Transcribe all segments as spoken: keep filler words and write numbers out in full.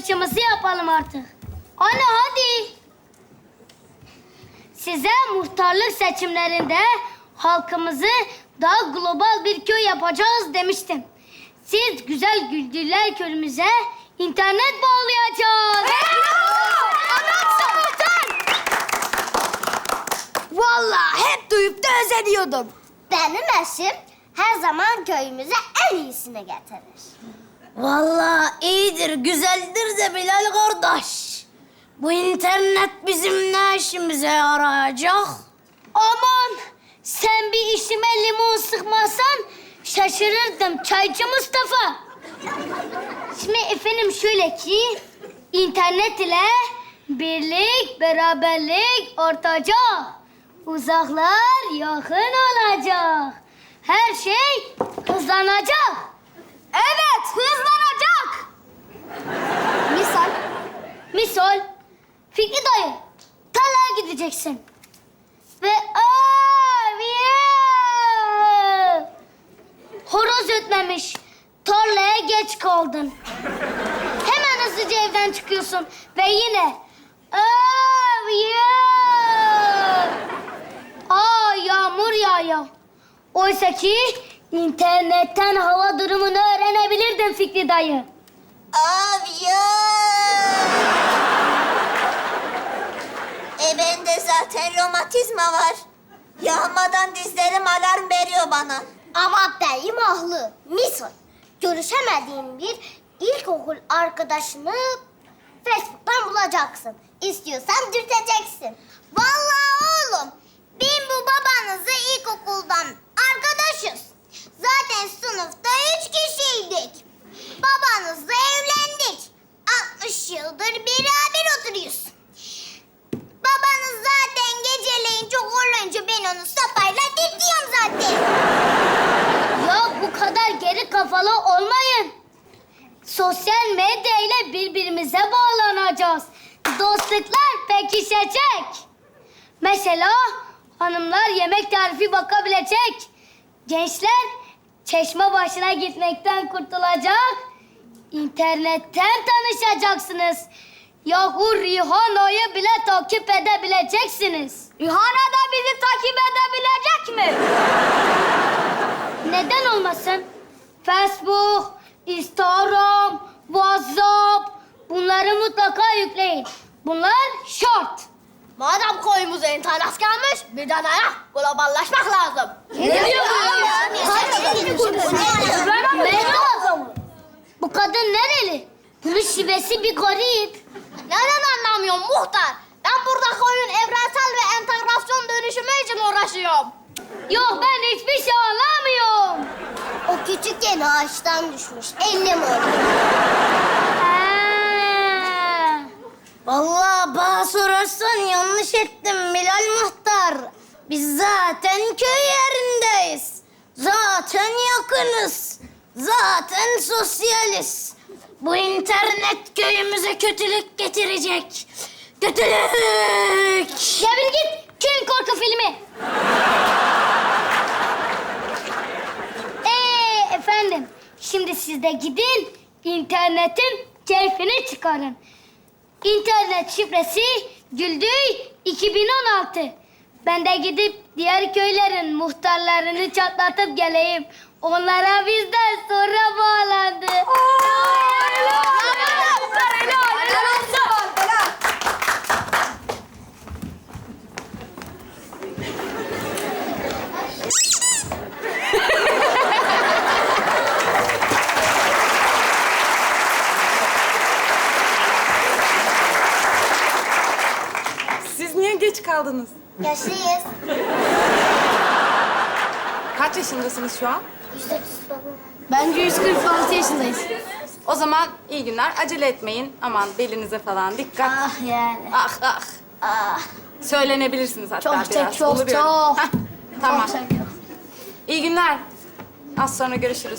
açılışımızı yapalım artık. Anne hadi. Size muhtarlık seçimlerinde halkımızı daha global bir köy yapacağız demiştim. Siz güzel Güldürler köyümüze internet bağlayacağız. Anlatsın muhtar. Vallahi hep duyup da özeniyordum. Benim eşim her zaman köyümüze en iyisini getirir. Vallahi iyidir, güzeldir de Bilal kardeş. Bu internet bizim ne işimize yarayacak? Aman sen bir işime limon sıkmasan şaşırırdım Çaycı Mustafa. Şimdi efendim şöyle ki internet ile birlik, beraberlik artacak. Uzaklar yakın olacak. Her şey hızlanacak. Evet, hızlanacak. Misal, misal Fikri dayı tarlaya gideceksin. Ve abiye horoz ötmemiş. Tarlaya geç kaldın. Hemen hızlıca evden çıkıyorsun ve yine abiye aa yağmur yağıyor. Oysa ki internetten hava durumunu öğrenebilirdin Fikri dayı. Abi ya. E bende zaten romatizma var. Yağmadan dizlerim alarm veriyor bana. Ama beyim haklı. Misal, görüşemediğin bir ilkokul arkadaşını Facebook'tan bulacaksın. İstiyorsan dürteceksin. Vallahi oğlum, ben bu babanızı ilkokuldan arkadaşız. Zaten sınıfta üç kişiydik. Babanızla evlendik. altmış yıldır beraber oturuyoruz. Babanız zaten geceleyin çok olunca ben onu sopayla dürtüyorum zaten. Ya bu kadar geri kafalı olmayın. Sosyal medya ile birbirimize bağlanacağız. Dostluklar pekişecek. Mesela hanımlar yemek tarifi bakabilecek. Gençler çeşme başına gitmekten kurtulacak. İnternetten tanışacaksınız. Yahu Rihana'yı bile takip edebileceksiniz. Rihana da bizi takip edebilecek mi? Neden olmasın? Facebook, Instagram, WhatsApp bunları mutlaka yükleyin. Bunlar şart. Madem koyumuza internet gelmiş, bir de neye? Globallaşmak lazım. Ne diyor Mehmet, bu kadın nereli? Bunun şivesi bir garip. Neden anlamıyorum muhtar? Ben burada koyun evrensel ve entegrasyon dönüşümü için uğraşıyorum. Yok ben hiçbir şey anlamıyorum. O küçükken ağaçtan düşmüş. Ellim oldu. Ha. Vallahi bana sorarsan yanlış ettim Bilal muhtar. Biz zaten köy yerindeyiz. Zaten yakınız. Zaten sosyaliz. Bu internet köyümüze kötülük getirecek. Kötülük! Ya bir git köyün korku filmi. Ee efendim şimdi siz de gidin internetin keyfini çıkarın. İnternet şifresi Güldüy iki bin on altı. Ben de gidip diğer köylerin muhtarlarını çatlatıp geleyim. Onlara bizden sonra bağlandı. Siz niye geç kaldınız? Yaşlıyız. Kaç yaşındasınız şu an? Bence yüz kırk altı yaşındayız. O zaman iyi günler. Acele etmeyin. Aman belinize falan dikkat. Ah yani. Ah ah. Ah. Söylenebilirsiniz hatta Çok biraz. çok çok Oluyor. çok. Heh, tamam. Çok çok. İyi günler. Az sonra görüşürüz.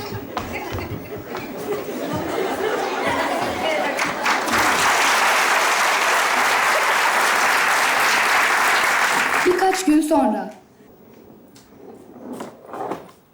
Birkaç gün sonra.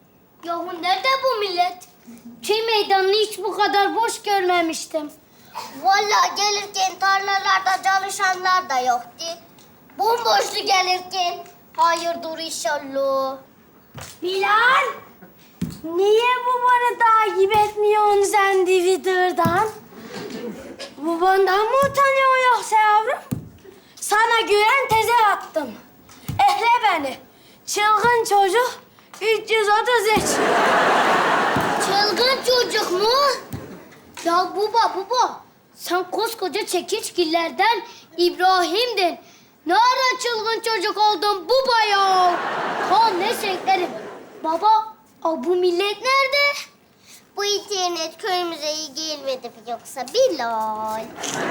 Yahu nerede bu millet? Köy meydanını hiç bu kadar boş görmemiştim. Vallahi gelirken tarlalarda çalışanlar da yoktu. Bomboştu gelirken. Hayırdır inşallah. Bilal, niye babanı takip etmiyorsun sen Twitter'dan? Babandan mı utanıyorsun yoksa yavrum? Sana güven teze attım. Ekle beni. Çılgın çocuk üç yüz otuz üç. Çılgın çocuk mu? Ya baba baba, sen koskoca çekiçgillerden İbrahim'din. Ne ara çılgın çocuk oldun baba ya? Ha ne seklerim. Baba, o bu millet nerede? Bu internet köyümüze iyi gelmedi mi yoksa Bilal?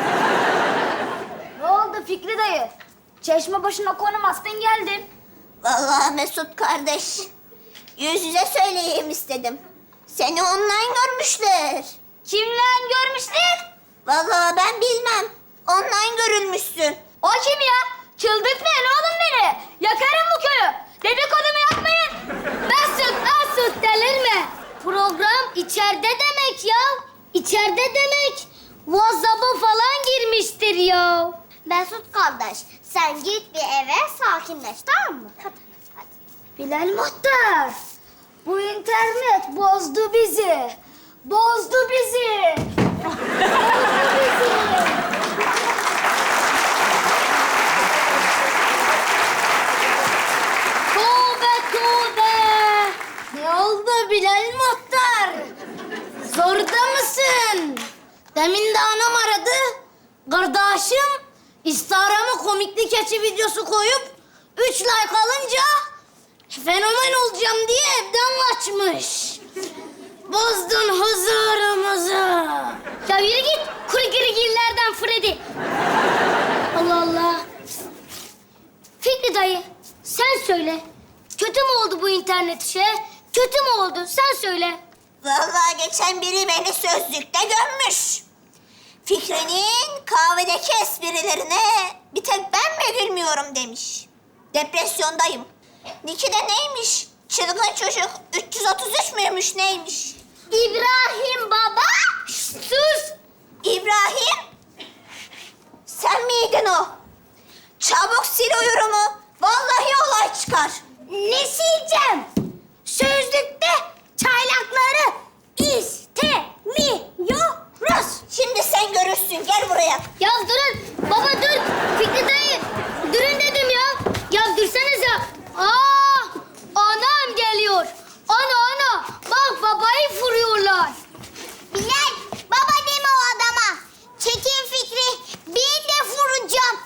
Ne oldu Fikri dayı? Çeşme başına konum astın geldin. Vallahi Mesut kardeş, yüz yüze söyleyeyim istedim. Seni online görmüşler. Kimle görmüşler? Vallahi ben bilmem. Online görülmüşsün. O kim ya? Çıldırtmayın oğlum beni. Yakarım bu köyü. Dedikodumu yapmayın. Mesut, Mesut delirme. Program içeride demek ya. İçeride demek. WhatsApp'a falan girmiştir ya. Mesut kardeş, sen git bir eve sakinleş, tamam mı? Hadi, hadi. Bilal Muhtar. Bu internet bozdu bizi. Bozdu bizi. Bozdu bizi. Tövbe tövbe. Ne oldu Bilal Muhtar? Zorda mısın? Demin de anam aradı. Kardeşim Instagram'a komiklik keçi videosu koyup üç like alınca fenomen olacağım diye evden kaçmış. Bozdun huzurumuzu. Ya yürü git kuru girgillerden Freddy. Allah Allah. Fikri dayı sen söyle. Kötü mü oldu bu internet işi? Kötü mü oldu? Sen söyle. Vallahi geçen biri beni sözlükte gömmüş. Fikri'nin kahvedeki esprilerine bir tek ben mi gülmüyorum demiş. Depresyondayım. Niki de neymiş? Çılgın çocuk üç yüz otuz üç müymüş neymiş? İbrahim baba. Sus! İbrahim! Sen miydin o? Çabuk sil o yorumu. Vallahi olay çıkar. Ne sileceğim? Sözlükte çaylakları istemiyoruz. Şimdi sen görürsün. Gel buraya. Ya durun. Baba dur. Fikri dayı. Durun dedim ya. Ya dursanıza. Aa, anam geliyor. Ana ana. Bak babayı vuruyorlar. Bilal, baba deme o adama. Çekin Fikri, bir de vuracağım.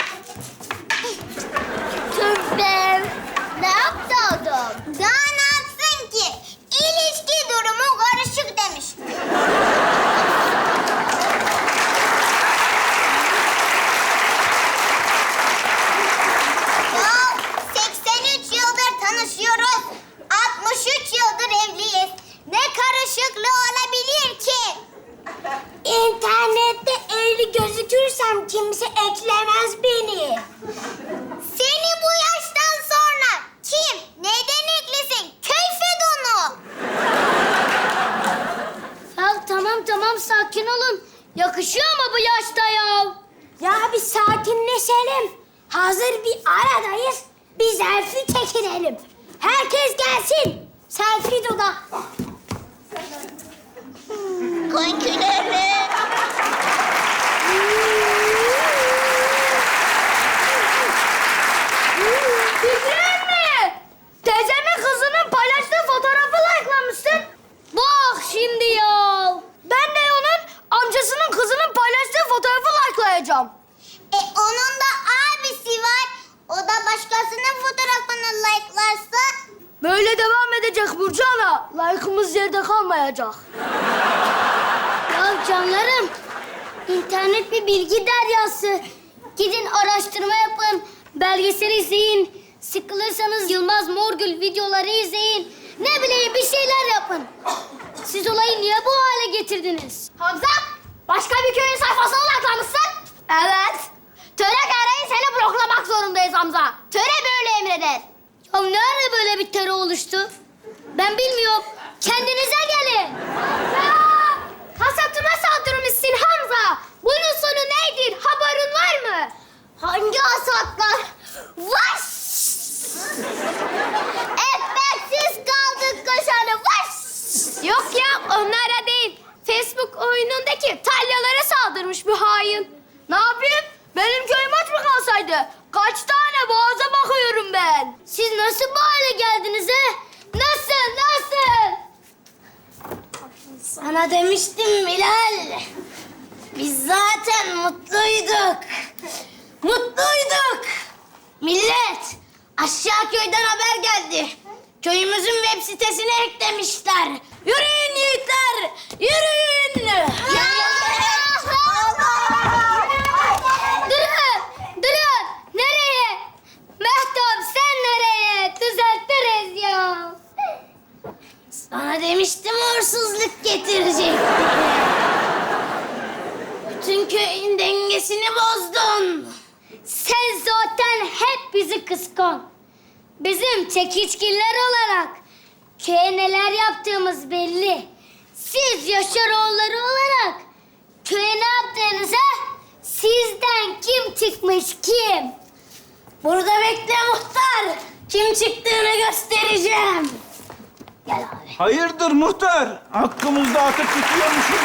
Tövbe. Ne yaptı adam? Daha ne yapsın ki? İlişki durumu karışık demiş. Ya seksen üç yıldır tanışıyoruz. altmış üç yıldır evliyiz. Ne karışıklığı olabilir ki? İnternette evli gözükürsem kimse eklemez beni. Seni bu yaştan sonra kim, neden eklesin? Keyfet onu. Ya tamam tamam sakin olun. Yakışıyor mu bu yaşta ya? Ya bir sakinleşelim. Hazır bir aradayız. Bir selfie çekinelim. Herkes gelsin. Selfie dudak. Konkilerle. Fikrin mi? Teyzemin kızının paylaştığı fotoğrafı like'lamışsın. Bak şimdi ya. Ben de onun amcasının kızının paylaştığı fotoğrafı like'layacağım. E onun da abisi var. O da başkasının fotoğrafını like'larsa... Böyle devam edecek Burcu Ana. Like'ımız yerde kalmayacak. Ya canlarım, internet bir bilgi deryası. Gidin araştırma yapın, belgesel izleyin. Sıkılırsanız Yılmaz Morgül videoları izleyin. Ne bileyim bir şeyler yapın. Siz olayı niye bu hale getirdiniz? Hamza, başka bir köyün sayfasına like'lamışsın. Evet. Töre gereği seni bloklamak zorundayız Hamza. Töre böyle emreder. Ya nerede böyle bir terör oluştu? Ben bilmiyorum. Kendinize gelin. Ya, hasatıma saldırmışsın Hamza. Bunun sonu nedir? Haberin var mı? Hangi asatlar? Vaş! Ekmeksiz kaldık kaşarı. Vaş! Yok ya, onlara değil. Facebook oyunundaki talyalara saldırmış bir hain. Ne yapayım? Benim köyüm aç mı kalsaydı? Kaç tane boğaza bakıyorum ben. Siz nasıl bu hale geldiniz he? Nasıl, nasıl? Sana demiştim Bilal. Biz zaten mutluyduk. Mutluyduk. Millet, aşağı köyden haber geldi. Köyümüzün web sitesine eklemişler. Yürüyün yiğitler, yürüyün. Ya! Durun, durun. Nereye? Mehtap sen nereye? Düzeltiriz ya. Sana demiştim uğursuzluk getirecek. Bütün köyün dengesini bozdun. Sen zaten hep bizi kıskan. Bizim çekiçgiller olarak köye neler yaptığımız belli. Siz Yaşaroğulları olarak köye ne yaptığınıza sizden kim çıkmış kim? Burada bekle muhtar. Kim çıktığını göstereceğim. Gel abi. Hayırdır muhtar? Hakkımızda atıp tutuyormuşum.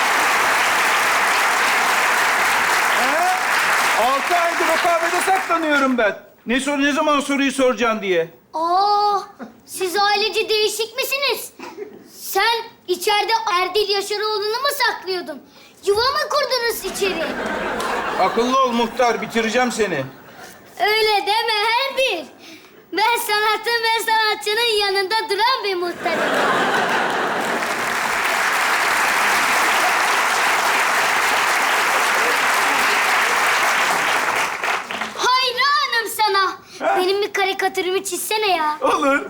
He? Altı aydır o kahvede saklanıyorum ben. Ne sor, ne zaman soruyu soracaksın diye. Aa, siz ailece değişik misiniz? Sen içeride Erdil Yaşaroğlu'nu mu saklıyordun? Yuva mı kurdunuz içeri? Akıllı ol muhtar, bitireceğim seni. Öyle deme Erdil. Ben sanatın ve sanatçının yanında duran bir muhtarım. Hayranım sana. Benim bir karikatürümü çizsene ya. Olur.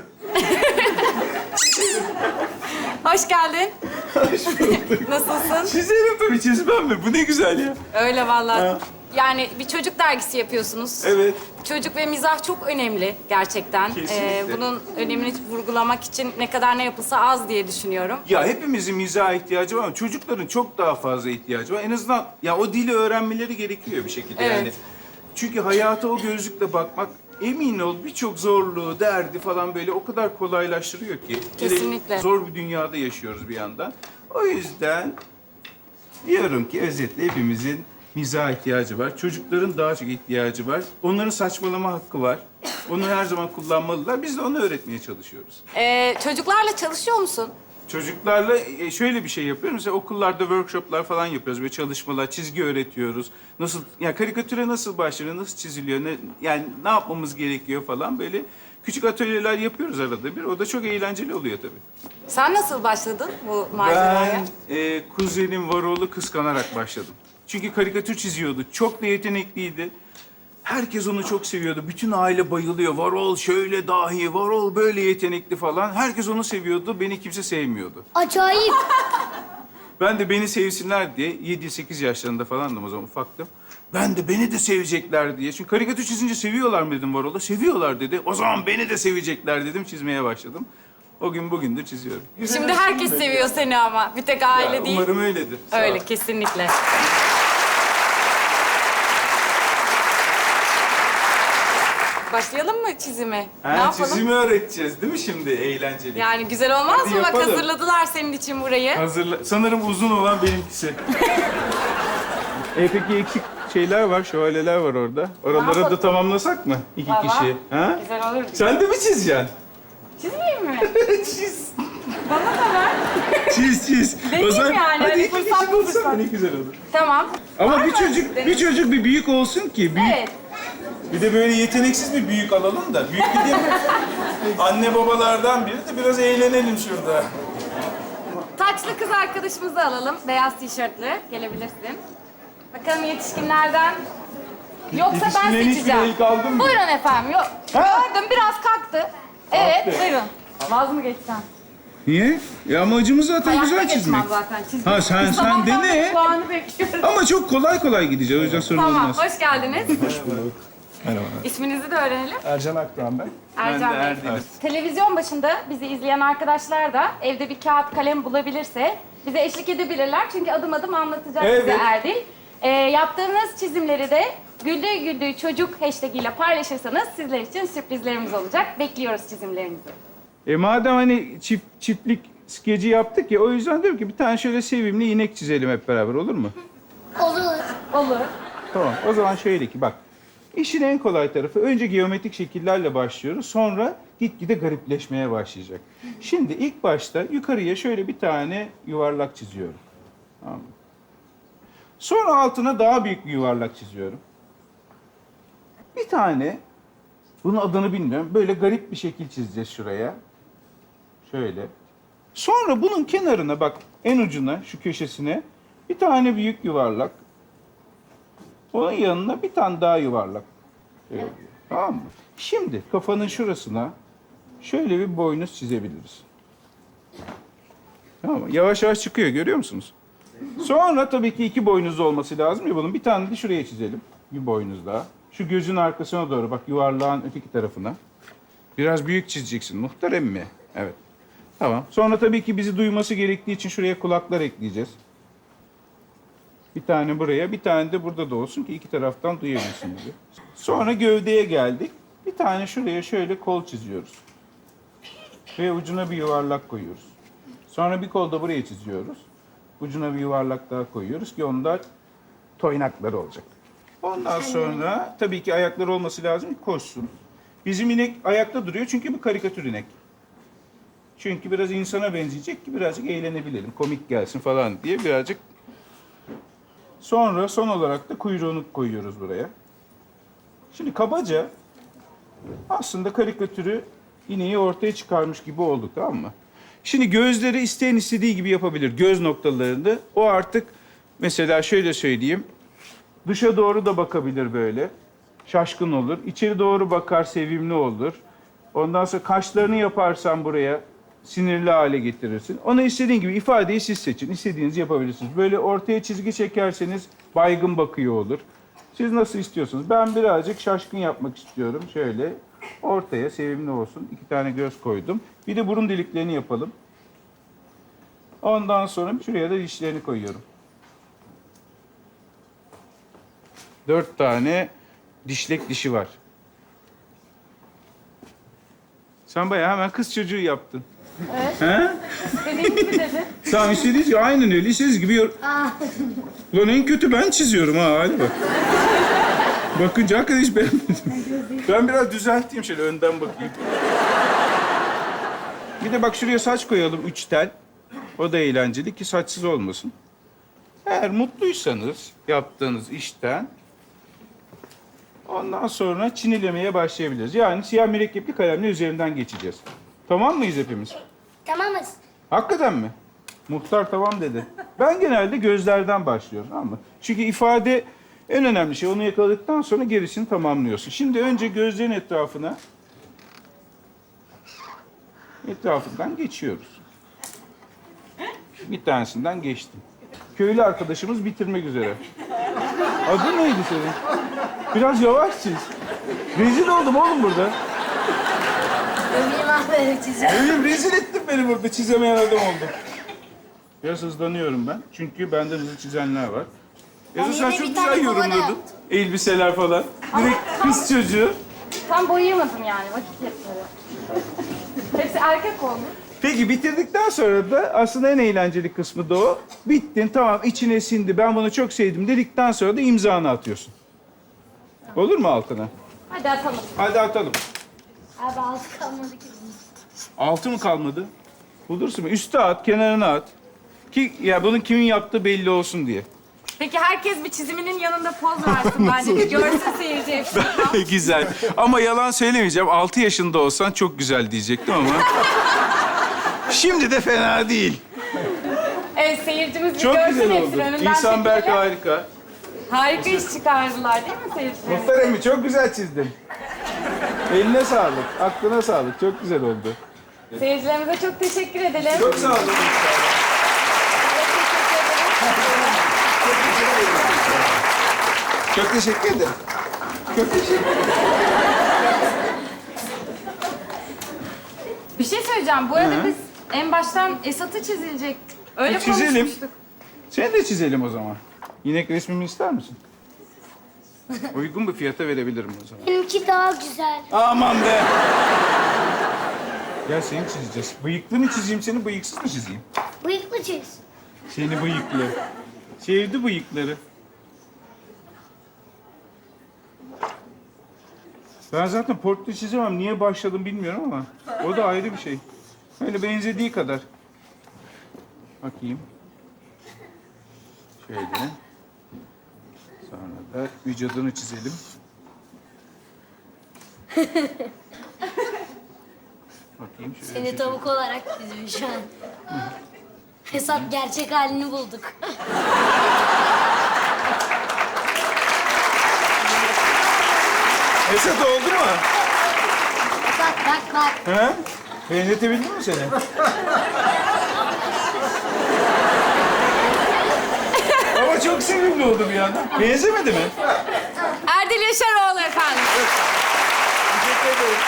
Hoş geldin. Hoş bulduk. Nasılsın? Çizerim tabii, çizmem mi? Bu ne güzel ya. Öyle vallahi. Ha. Yani bir çocuk dergisi yapıyorsunuz. Evet. Çocuk ve mizah çok önemli gerçekten. Kesinlikle. bunun önemini vurgulamak için ne kadar ne yapılsa az diye düşünüyorum. Ya hepimizin mizaha ihtiyacı var ama çocukların çok daha fazla ihtiyacı var. En azından ya o dili öğrenmeleri gerekiyor bir şekilde Evet. yani. Çünkü hayata o gözlükle bakmak emin ol birçok zorluğu, derdi falan böyle o kadar kolaylaştırıyor ki. Hele Kesinlikle. zor bir dünyada yaşıyoruz bir yandan. O yüzden diyorum ki özetle hepimizin mizaha ihtiyacı var. Çocukların daha çok ihtiyacı var. Onların saçmalama hakkı var. Onu her zaman kullanmalılar. Biz de onu öğretmeye çalışıyoruz. Ee, çocuklarla çalışıyor musun? Çocuklarla e, şöyle bir şey yapıyoruz. Mesela okullarda workshoplar falan yapıyoruz. Böyle çalışmalar, çizgi öğretiyoruz. Nasıl, yani karikatüre nasıl başlanıyor, nasıl çiziliyor, ne, yani ne yapmamız gerekiyor falan böyle küçük atölyeler yapıyoruz arada bir. O da çok eğlenceli oluyor tabii. Sen nasıl başladın bu maceraya? Ben e, kuzenim Varol'u kıskanarak başladım. Çünkü karikatür çiziyordu. Çok da yetenekliydi. Herkes onu çok seviyordu. Bütün aile bayılıyor. Varol şöyle dahi, Varol böyle yetenekli falan. Herkes onu seviyordu. Beni kimse sevmiyordu. Acayip. Ben de beni sevsinler diye yedi sekiz yaşlarında falandım o zaman ufaktım. Ben de beni de sevecekler diye. Çünkü karikatür çizince seviyorlar mı dedim Varol'a. Seviyorlar dedi. O zaman beni de sevecekler dedim. Çizmeye başladım. O gün bugündür çiziyorum. Şimdi herkes seviyor seni ama. Bir tek aile Ya, değil. umarım öyledir. Sağ ol. Öyle kesinlikle. Başlayalım mı çizime? Ha, ne yapalım? çizimi öğreteceğiz değil mi şimdi? Eğlenceli. Yani güzel olmaz Hadi mı? Bak yapalım. hazırladılar senin için burayı. Hazırla. Sanırım uzun olan benimkisi. e peki eksik şeyler var, şövalyeler var orada. Oraları yapalım? da tamamlasak mı? İki Tamam. kişi. Ha? Güzel olur. Sen de mi çizeceksin? Çizmeyeyim mi? Çiz. Bana da ver. Çiz çiz. Deneyim yani, hadi hani iki fırsat kişi bu olsana fırsat. ne güzel olur. Tamam. Ama Var bir mı? çocuk, bir çocuk bir büyük olsun ki. Büyük, Evet. Bir de böyle yeteneksiz bir büyük alalım da. Büyük dediğim anne babalardan biri de biraz eğlenelim şurada. Taçlı kız arkadaşımızı alalım. Beyaz tişörtlü. Gelebilirsin. Bakalım yetişkinlerden. Yoksa ben Yetişkinlerin hiçbiri seçeceğim. el kaldırmıyor. Buyurun efendim. Yok. Ha? Gördüm biraz kalktı. Evet Kalktı. buyurun. Vaz mı geçsen? Niye? Ya amacımız zaten Hayatta güzel geçmem çizmek. zaten. Çizmek. Ha, sen- sen Sabahtan dene. beri Puanı bekliyorum. Ama çok kolay kolay gideceğiz. O yüzden sorun Tamam, olmaz. hoş geldiniz. Merhaba. İsminizi de öğrenelim. Ercan Akdoğan ben. Ercan Bey. Erdem'im. Televizyon başında bizi izleyen arkadaşlar da evde bir kağıt kalem bulabilirse bize eşlik edebilirler. Çünkü adım adım anlatacak Evet. bize Erdil. Ee, yaptığınız çizimleri de Güldüğü Güldüğü Çocuk hashtag ile paylaşırsanız sizler için sürprizlerimiz olacak. Bekliyoruz çizimlerinizi. E madem hani çift, çiftlik skeci yaptık ya, o yüzden diyorum ki bir tane şöyle sevimli inek çizelim hep beraber, olur mu? Olur. Olur. Tamam, o zaman şöyle ki bak. İşin en kolay tarafı, önce geometrik şekillerle başlıyoruz. Sonra gitgide garipleşmeye başlayacak. Şimdi ilk başta yukarıya şöyle bir tane yuvarlak çiziyorum. Tamam mı? Sonra altına daha büyük bir yuvarlak çiziyorum. Bir tane, bunun adını bilmiyorum, böyle garip bir şekil çizeceğiz şuraya. Şöyle. Sonra bunun kenarına bak, en ucuna, şu köşesine bir tane büyük yuvarlak. Onun yanına bir tane daha yuvarlak. Şöyle. Tamam mı? Şimdi kafanın şurasına şöyle bir boynuz çizebiliriz. Tamam mı? Yavaş yavaş çıkıyor, görüyor musunuz? Sonra tabii ki iki boynuzlu olması lazım ya bunun. Bir tane de şuraya çizelim. Bir boynuz daha. Şu gözün arkasına doğru bak, yuvarlağın öteki tarafına. Biraz büyük çizeceksin muhtar emmi. Evet. Tamam. Sonra tabii ki bizi duyması gerektiği için şuraya kulaklar ekleyeceğiz. Bir tane buraya, bir tane de burada da olsun ki iki taraftan duyabilsin bizi. Sonra gövdeye geldik. Bir tane şuraya şöyle kol çiziyoruz. Ve ucuna bir yuvarlak koyuyoruz. Sonra bir kol da buraya çiziyoruz. Ucuna bir yuvarlak daha koyuyoruz ki onlar toynakları olacak. Ondan sonra tabii ki ayakları olması lazım ki koşsun. Bizim inek ayakta duruyor çünkü bu karikatür inek. Çünkü biraz insana benzeyecek ki birazcık eğlenebilelim, komik gelsin falan diye birazcık. Sonra son olarak da kuyruğunu koyuyoruz buraya. Şimdi kabaca aslında karikatürü, ineği ortaya çıkarmış gibi olduk, tamam mı? Şimdi gözleri isteyen istediği gibi yapabilir. Göz noktalarını. O artık mesela şöyle söyleyeyim. Dışa doğru da bakabilir böyle. Şaşkın olur. İçeri doğru bakar, sevimli olur. Ondan sonra kaşlarını yaparsan buraya sinirli hale getirirsin. Ona istediğin gibi ifadeyi siz seçin. İstediğinizi yapabilirsiniz. Böyle ortaya çizgi çekerseniz baygın bakıyor olur. Siz nasıl istiyorsunuz? Ben birazcık şaşkın yapmak istiyorum. Şöyle ortaya sevimli olsun. İki tane göz koydum. Bir de burun deliklerini yapalım. Ondan sonra şuraya da dişlerini koyuyorum. Dört tane dişlek dişi var. Sen bayağı hemen kız çocuğu yaptın. Evet. He? İstediğiniz gibi dedi. Tamam, istediğiniz gibi, aynen öyle. İstediğiniz gibi. yor- Ulan en kötü ben çiziyorum ha, hadi bak. Bakınca hakikaten hiç beğenmedim. Ben biraz düzelteyim, şöyle önden bakayım. Bir de bak şuraya saç koyalım, üç tel. O da eğlenceli ki saçsız olmasın. Eğer mutluysanız yaptığınız işten ondan sonra çinilemeye başlayabiliriz. Yani siyah mürekkepli kalemle üzerinden geçeceğiz. Tamam mıyız hepimiz? Tamamız. Hakikaten mi? Muhtar tamam dedi. Ben genelde gözlerden başlıyorum, tamam mı? Çünkü ifade en önemli şey. Onu yakaladıktan sonra gerisini tamamlıyorsun. Şimdi önce gözlerin etrafına etrafından geçiyoruz. Bir tanesinden geçtim. Köylü arkadaşımız bitirmek üzere. Adın neydi senin? Biraz yavaş çiz. Rezil oldum oğlum burada. Ömrüm ahberi çiziyor. Öyle rezil ettin beni burada. Çizemeyen adam oldum. Biraz hızlanıyorum ben. Çünkü benden hızlı çizenler var. Yazı sen yine çok bir tane güzel kovada yorumladın. yaptım. Elbiseler falan. Direkt kız çocuğu. Tam boyayamadım yani vakit yetmedi. Hepsi erkek oldu. Peki bitirdikten sonra da aslında en eğlenceli kısmı da o. Bittin, tamam, içine sindi, ben bunu çok sevdim dedikten sonra da imzanı atıyorsun. Olur mu altına? Hadi atalım. Hadi atalım. Abi altı kalmadı ki. Altı mı kalmadı? Bulursun mu? Üste at, kenarına at. Ki ya bunun kimin yaptığı belli olsun diye. Peki herkes bir çiziminin yanında poz versin bence. Bir görsün seyirci hepsini. Güzel. Ama yalan söylemeyeceğim. Altı yaşında olsan çok güzel diyecektim ama. Şimdi de fena değil. Evet seyircimiz bir Çok görsün güzel hepsini. oldu. Önünden İhsan Berk çekelim. harika. Harika iş çıkardılar değil mi seyirciler? Muhtar emmi çok güzel çizdin. Eline sağlık, aklına sağlık. Çok güzel oldu. Seyircilerimize çok teşekkür edelim. Çok sağ olun. Çok teşekkür ederim. Çok teşekkür ederim. Bir şey söyleyeceğim. Bu arada Hı. biz en baştan Esat'ı çizilecek. Öyle E, çizelim. konuşmuştuk. Seni de çizelim o zaman. İnek resmimi ister misin? Uygun bir fiyata verebilirim o zaman. Benimki daha güzel. Aman be! Gel seni çizeceğiz. Bıyıklı mı çizeyim seni, bıyıksız mı çizeyim? Bıyıklı çiz. Seni bıyıklı. Sevdi bıyıkları. Ben zaten portre çizemem. Niye başladım bilmiyorum ama o da ayrı bir şey. Öyle benzediği kadar. Bakayım. Şöyle. Sonra da vücudunu çizelim. Bakayım şöyle. Seni tavuk olarak çizmiş şu an. Hesap gerçek halini bulduk. Esat oldu mu? Bak bak bak. He? Benzetebildin mi seni? Ama çok sevimli oldu bir yandan. Benzemedi mi? Erdil Yaşaroğlu efendim. Teşekkür ederim.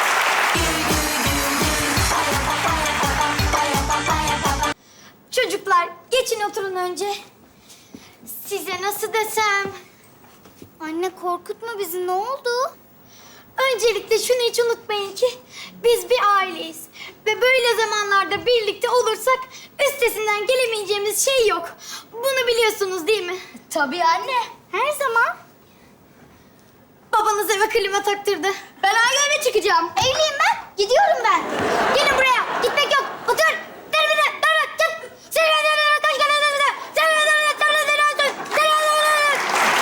Çocuklar geçin oturun önce. Size nasıl desem? Anne korkutma bizi, ne oldu? Öncelikle şunu hiç unutmayın ki biz bir aileyiz. Ve böyle zamanlarda birlikte olursak üstesinden gelemeyeceğimiz şey yok. Bunu biliyorsunuz değil mi? Tabii anne. Her zaman. Babanız eve klima taktırdı. Ben ayrı eve çıkacağım. Evliyim ben. Gidiyorum ben. Gelin buraya. Gitmek yok.